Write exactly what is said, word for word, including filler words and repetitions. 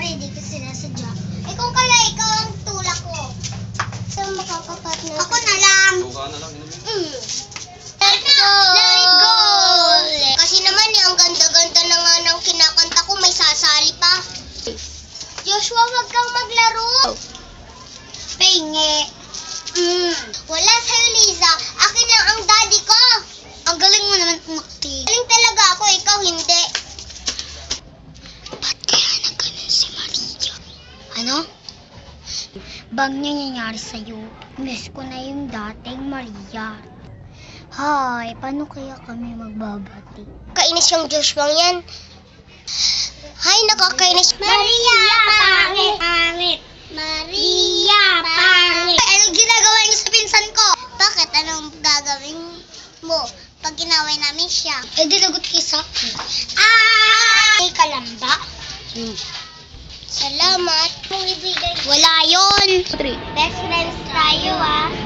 Kunyari, di ko sinasadya. Ikaw kaya, ikaw ang tulak ko. Saan makakapartner? Ako na lang. Suka na lang, inumin. Mm. Let go! Let it go! Kasi naman eh, ang ganda-ganda na nga ng kinakanta ko, may sasali pa. Joshua, wag kang maglaro. Penge. Mm. Wala sa'yo, Liza. Akin lang ang daddy ko. Ang galing mo naman umakti. Galing talaga ako, ikaw hindi. Ba't kaya nagganon si Maria? Ano? Bang nangyayari sa'yo? Miss ko na yung dating Maria. Hay, paano kaya kami magbabati? Kainis yung Joshua yan. Hay, nakakainis. Maria, pangit! Pangit! Maria, pangit! Anong ginagawa niyo sa pinsan ko? Bakit? Anong gagawin mo pag ginaway namin siya? Eh, dilagot kayo sa akin. Ah! May kalamba? Hmm. Salamat. Kung ibigay. Wala yun. Best friends tayo, ah.